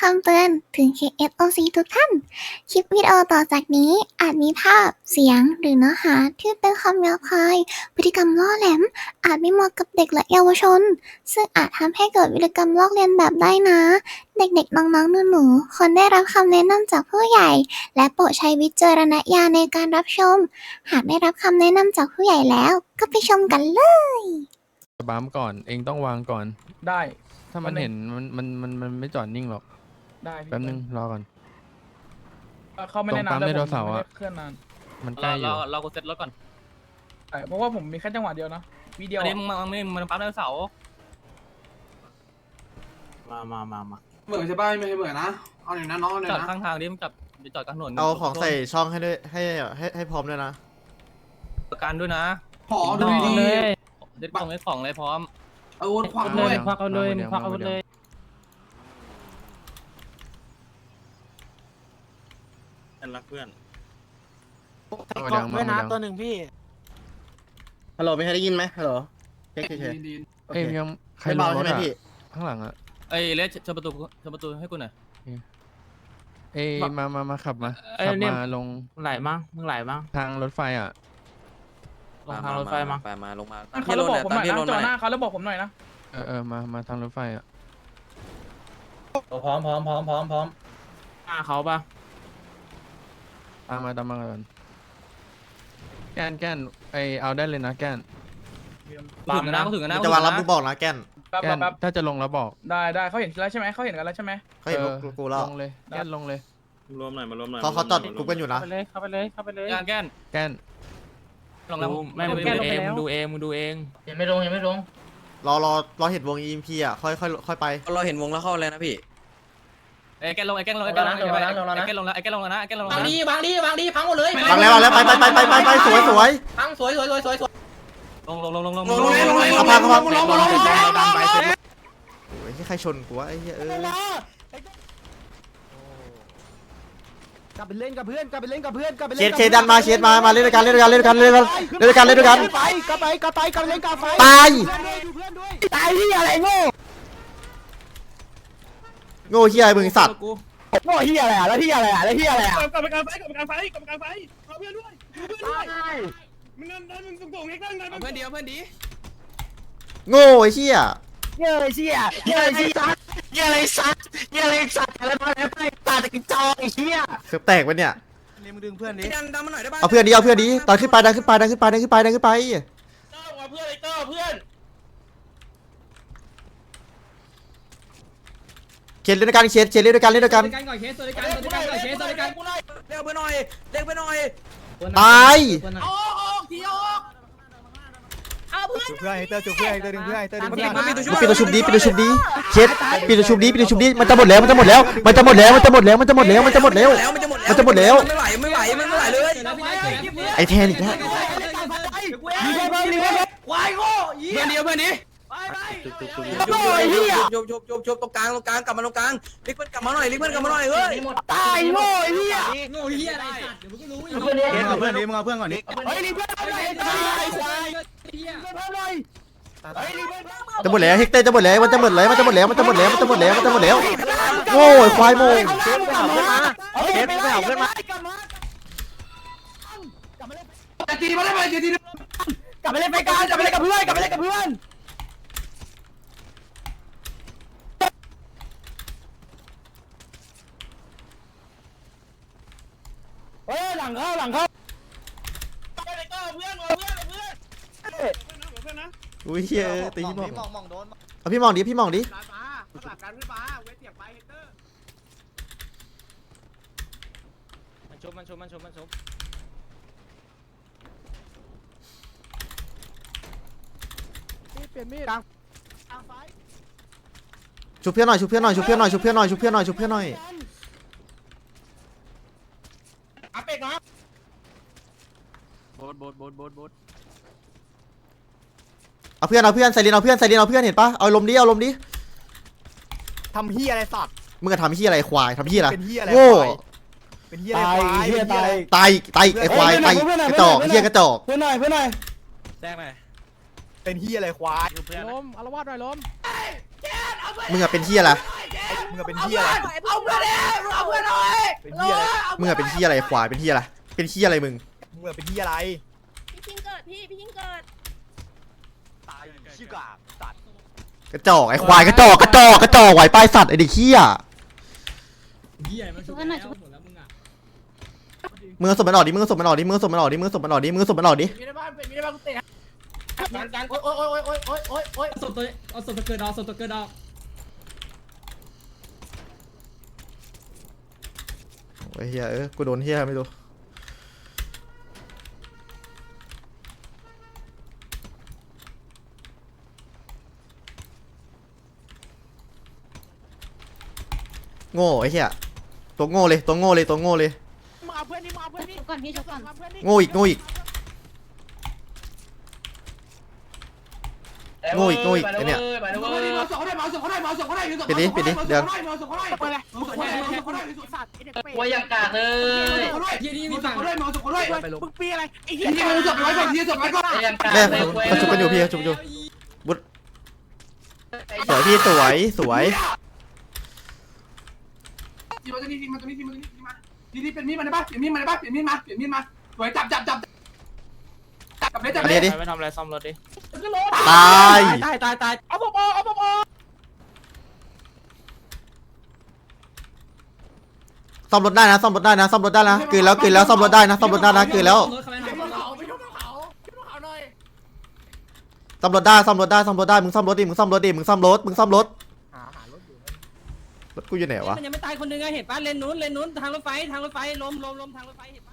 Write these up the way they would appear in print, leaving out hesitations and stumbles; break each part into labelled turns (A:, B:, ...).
A: ำเตือนถึง KSOC ทุกท่าน คลิปวิดีโอต่อจากนี้อาจมีภาพ เสียง หรือเนื้อหาที่เป็นคำหยาบคาย พฤติกรรมล่อแหลม อาจไม่เหมาะกับเด็กและเยาวชน ซึ่งอาจทำให้เกิดวิธีกรรมลอกเลียนแบบได้นะ เด็กๆ น้องๆ หนูๆ ควรได้รับคำแนะนำจากผู้ใหญ่ และโปรดใช้วิจารณญาณในการรับชม หากได้รับคำแนะนำจากผู้ใหญ่แล้ว ก็ไปชมกันเลย
B: บัมก่อนเองต้องวางก่อน
C: ได้
B: ถ้ามันเห็นมันไม่จอดนิ่งหรอก
C: ได้พี่
B: แป๊บนึงรอก่อน
C: เขาไม่ได้
B: ตรงปั๊
C: นาน
B: ม
C: แต่
B: ไดโน
C: ผม
B: เสาร์
C: ไม่
B: อะ
C: ได้เคลื่อนนาน
B: มันใกล้อยู่
D: เรากูเซ็ตรถก่อน
C: ใช่เพราะว่าผมมีแค่จังหวะเดียวนะวิดีโอ
D: อันนี้มึงมันปั๊มไดโนเสาร์
E: มาเหมือนใช่ป่ะไม่ใช่เหมือนนะเอาหน่อยนะน้องเอาหน่อย
D: จอด
E: นะ
D: ข้างทางนี้มึงจอดกลางถนน
F: เอาของใส่ช่องให้ด้วยให้พร้อมด้วยนะ
D: ประกันด้วยนะ
E: ขอดูดี
D: เซ็ตของของเลยพร้อม
E: อาวุธขวางด้วย
B: ควักเอาเลยควักเอาเลย
G: รักเพื่อน
B: เอามาด้วยนะตัวหนึ่ง
F: ฮัลโหลมีใครได้ยินไหมฮัลโหลเช็คเฉย
E: ดี
F: ๆโอ
B: เอ้ย
F: เค
B: ยังใคร
F: ไม่
B: ล
F: เบาง
B: ร
F: ใช่
B: ถ
F: ไหม
B: อะ
F: พี่
B: ข้างหลังอะ
D: เอ้ยเลสเชิญประตูให้กูหน่อย
B: เอ้ยมาขับมา
H: เอ้ย
B: ขับ
H: เนี่ย
B: มาลง
H: มึงไหลมั้งมึงไหลมั้ง
B: ทางรถไฟอะ
H: ลงทางรถไฟมั้ง
G: ไปมาลงมา
C: เขาแล้วบอกผมหน่อยนะจอหน้าเขาแล้วบอกผมหน่อยนะ
B: มาทางรถไฟอะ
H: พร้อมหน้าเขาปะ
B: ตามมาก่อนแก้นไอเอาได้เลยนะแก้น
D: ถึงนะกูถึงนะ
F: จะวางรับมึงบอกนะแก้น
C: แป๊บ
B: แก้น
C: แป๊บ
B: ถ้าจะลงแล้วบอก
C: ได้เขาเห็นแล้วใช่ไหมเขาเห็นกันแล้วใช่ไหม
F: เขาเห็นกูแล้ว
B: ลงเลยแก้นลงเลย
G: รวมหน่อยมารวมหน่อย
F: เขาจอดกูกันอยู่นะ
H: เข้าไปเลย
D: แก้น
B: แก้น
D: ลงแล้ว
H: ไม่มึงดูเองยังไม่ลง
F: รอเห็นวง EMP อ่ะค่อยไป
G: เราเห็นวงแล้วเข้าเลยนะพี่
D: ไอ้แก้นลงแล้วนะไอ้แก้นลงแล้ว
H: บางดีพังหมดเลยว
F: างแล้วไปสวย
H: พังสวย
D: ลง
F: เอาพังโอ้ยใครชนกูวะไอ้เหี้ย
I: กลับไปเล่นกับเพื่อน
F: เคดันมาเคมาเล่นด้วยกันกลับไปกลับไปเล่นกับไฟตายที่อะไรโง่เหี้ยมึงสัตว์
I: โง่เฮียอะไรอ่ะแล้วเฮียอะไรอ่ะ
C: กลับไปกลางไฟเอาเพื่อนด้วยมึงนั่นมึงส่งให้ข้างนั้น
D: เพื่อนดี
F: โง่ไอ้เหี้ย
I: เฮียอะไรสัตว์อะไรมาแล้วไปตาตะกิจอไอ้เฮีย
F: เสือแตกไปเนี่ย
E: มึงดึงเพื่อนนี้
G: ดันมาหน่อยได้ป่ะ
F: เอาเพื่อนดีดันขึ้นไป
C: เพื่อน
F: เขียนเล่นด้วยกันเล่นด้วยกัน
G: เร็วไปหน่อยเร็วไปหน่อย
F: ตาย
I: จุเพื่อนดึงเพื่อนดึงเพื่อน
F: ปิดตัวชุบดีเคสปิดตัวชุบดีมันจะหมดแล้วมันจะหมดแล้วมันจะหมดแล้วไม่ไหวเลยไอแทนอีกแล้ว
D: เพื่อนดี
G: จบตรงกลางกลับมาตรงกลางลิกเพื่อนกลับมาหน่อยเฮ้ย
I: ตายโง่เฮีย
D: โง่เหี้ยอะไรสัตว์เดี๋ยวมึงก็รู้อยู่
I: เพื่อนกับเพื่อนนี้มึงเอาเพื่อนก่อนนี้เฮ้ยรีเพื่อนหน่อยตายควาย
F: จะหมดแล้วเฮกเตอร์จะหมดแล้วมันจะหมดแล้วโง่ควายโง่
I: เคสไปหาเพื่อนมาตีมาได้ไหมกลับไปเล่นไปกันกลับไปเล่นกับเพื่อนเฮ้ยหลังเข้า
F: อุ้ยเฮียตีพี่มองเอาพี่มองดิ
I: มันชุบเปลี่ยนมีด
F: ชุบเพื่อนหน่อย
I: อาเป็ดนะ
D: โบด
F: เอาเพื่อนใส่ลินเอาเพื่อนเห็นปะเอาลมดิ
I: ทำเฮียอะไรสัตว์
F: มึงจะทำเฮียอะไรควายทำเฮียอะไร
I: เป็นเฮียอะไร
F: โง่
I: เป็นเฮียอะไรเฮียตาย
F: ตายไอ้ควายตายกระจอกเฮียกระจอก
I: เพื่อนหน่อย
D: แจ้งหน่อย
I: เป็นเฮียอะไรควาย
H: ล้มอารวาสหน่อยล้ม
F: มึงอะเป็นเฮียอะไร
I: มึงเป็นเฮียอะไรเอาเพื่อนดิเอาเพื่อนหน่อยเป็นเฮียอะไร
F: มึงอะเป็นเฮียอะไรควายเป็นเฮียอะไรเป็นเฮียอะไรมึง
I: มึงเป็นเฮียอะไร
J: พี่คิงเกิดพี่คิงเกิด
I: ตายชิกาตัด
F: กระจอกไอ้ควายกระจอกไหวปลายสัตว์ไอ้เด็กเฮีย
D: เหี้ยมันชุบแล้วหมดแล้วมึงอ่ะ
F: มึงเอาศพมันออกดิมึงเอาศพมันออกดิมึงเอาศพมันออกดิมึงเอาศพมันออกดิมึงเอาศพมันออกดิ
I: มีในบ้านเป็นมีในบ้านกูเตะการโอ๊ย
D: เอาศพตัวเกิดดอกศพตัวเกิดดอก
F: โอ้ยเฮียกูโดนเฮียไม่รู้โง่ไอ้เฮียตัวโง่เลยตัวโง่เลยตัวโง่เลย
I: มาเอาเพื่อนนี่มาเอาเพื่อนนี่
J: ชุบก่อนพี่ชุบก่อน
F: โง่อีกโง่อีกโง่อีกโง่อีกไอ้เนี่ย
I: มาส่งเขาได้มาส่งเขาได้มาส่งเขาได้
F: ปิดดิปิดดิเดี๋ยว
I: มาส่งเขาได้ไปเลยมาส่งเขาได้มาส่งเขาได้สัตว์ไอ้เด็กเป็ด
H: ว่าอย่างกากเลย
D: เหี้ยนี่
I: มา
D: มี
I: ส่
D: ฝั่
I: ง
D: ง
I: เขาได้มาส่งเขาได้มึงปีอะไรไอ้เหี้ย
E: ที่มันจบไปไว้ก่อนที่จบไปก่อน
H: ว่าอย่างกาก
F: แม่เขาชุบกันอยู่พี่เขาชุบอยู่บุดสวยพี่สวยสวย
E: ที่มันจะนี่ที่มันจะนี่ที่มันจะนี่ที่มาที่นี่เป็นมีดมันได้ปะเปลี่ยนมีดมันได้ปะเปลี่ยนมีดมาเปลี่ยนมีดมาสวยจับเลยจับ
F: อัน
E: เล
F: นี้
E: ย
F: ดิ
H: ไปทำอะไรซ่อมรถดิ
F: ตาย
I: ตายเอาผมเอาผม
F: ซ่อมรถได้นะซ่อมรถได้นะซ่อมรถได้นะกลืนแล้วซ่อมรถได้นะซ่อมรถได้นะกลืนแล้ว
D: รถเขาไม่
E: ไป
D: ทำ
E: บนเขาไปบนเขาไปบนเขาหน่อย
F: ซ่อมรถได้ซ่อมรถได้ซ่อมรถได้มึงซ่อมรถดิมึงซ่อมรถดิมึงซ่อมรถรถกูอยู่ไหนวะ
D: มันยังไม่ตายคนนึงอะเห็นป่ะเลนนู้นทางรถไฟลมทางรถไฟเห็นป่ะ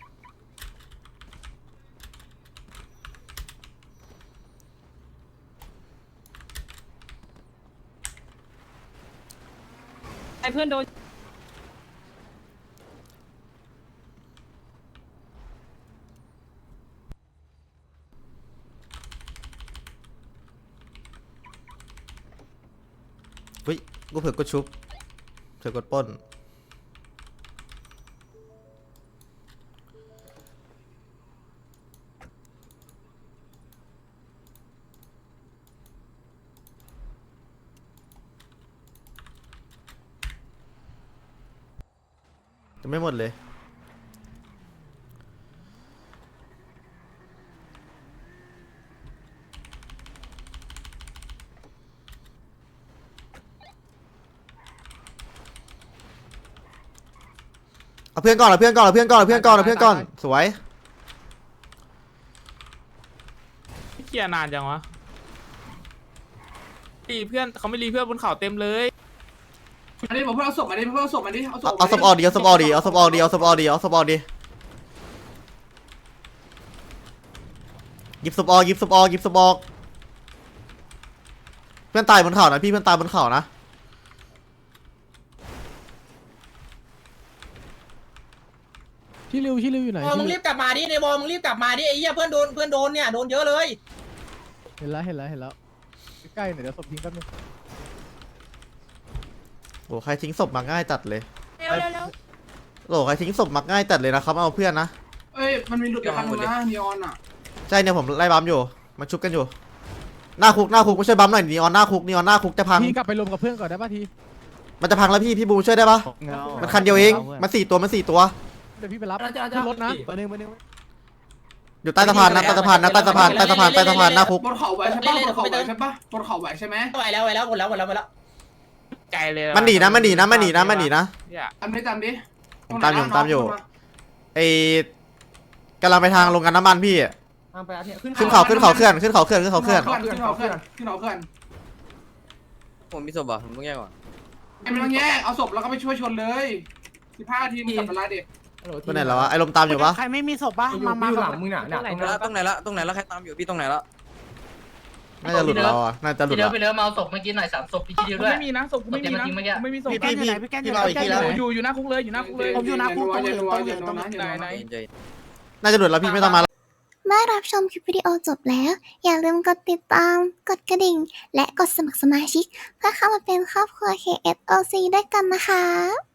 D: ไอ้เพื่อนโดน
F: เฮ้ยกูเผื่อกดชุบเผื่อกดปล้นจะไม่หมดเลยเอาเพื่อนก่อนสวย
H: เกียนานจังวะรีเพื่อนเขาไม่รีเพื่อนบนเขาเต็มเลย
E: อันนี้ผมเพิ่งเอาศพมาดิเพิ่งเอาศพมาดิเอาศพ
F: เอาศพออกดิเอาศพออกดิเอาศพออกดิเอาศพออกดิเอาศพออกดิหยิบศพออกหยิบศพออกหยิบศพออกเพื่อนตายบนเขานะพี่เพื่อนตายบนเขานะ
B: ที่ริวอยู่ไหน
H: มึงรีบกลับมาดิในบอลมึงรีบกลับมาดิไอ้เหี้ยเพื่อนโดนเนี่ยโดนเยอะเลย
B: เห็นแล้วใกล้ๆหน่อยเดี๋ยวศพทิ้งแป๊บนึง
F: โอ้ใครทิ้งศพมาง่ายจัดเลย
J: เร็ว
F: โอ้ใครทิ้งศพมาง่ายจัดเลยนะครับเอาเพื่อนนะ
E: เอ้ยมันมีหลุดอยู่คันนึงนะนีออนอ่ะ
F: ใช่เนี่ยผมไล่บัมอยู่มาชุบกันอยู่หน้าคุกมาช่วยบัมหน่อยนีออนหน้าคุกจะพัง
B: ทีกลับไปรวมกับเพื่อนก่อนได้ป่ะที
F: มันจะพังแล้วพี่บูช่วยได้ปะมันคันเดียวเองมัน4 ตัว
B: เดี๋ยวพี่ไปรับขึ้นรถนะไปหนึ่ง
F: อยู่ใต้สะพานนะใต้สะพานหน้าคุก
E: บนเขาไหวใช่ปะบนเขาไหวใช่ปะบนเขาไหวใช่ไหม
H: ไหวแล้วหมดแล้วใจเลย
F: มันหนีนะ
E: ตามดิ
F: ผมตามอยู่ไอ้กำลังไปทางโรงงานน้ำมันพี่ขึ้นเขาเคลื่อน
G: ผมมีศพอ่ะผมต้องแยกก่อน
E: ไอ้ไม่ต้องแยกเอาศพแล้วก็ไปช่วยชนเลย15 นาทีมันกลับมาละเด็ก
F: ไปไหนแล้ววะไอ้ลมตามอยู่ปะ
I: ใครไม่มีศพป่ะมาหลังมึงน่ะ
G: ตรงไหนละใครตามอยู่พี่ตรงไหนละ
F: น่าจะหลุดเราอ่ะน่าจะหลุด
H: เดี๋ยว
F: เรา
H: ไปเดิมมาศพเมื่อกี้หน่อย3ศพพี่เดียวด้วยไม่มีนะศพไม่มีนะไม่มีศพ
I: พี่อยู่ไหนพี่แกอยู่ไหนพี่แกอยู่ไหน
H: อยู่หน้าคุกเลย
I: ผมอยู่หน้าคุกตรงเหลือง
H: ไหน
F: น่าจะหลุดแล้วพี่ไม่ต้องมา
A: เมื่อรับชมคลิปวิดีโอจบแล้ว อย่าลืมกดติดตาม กดกระดิ่ง และกดสมัครสมาชิก เพื่อเข้ามาเป็นครอบครัว KSOC ด้วยกันนะคะ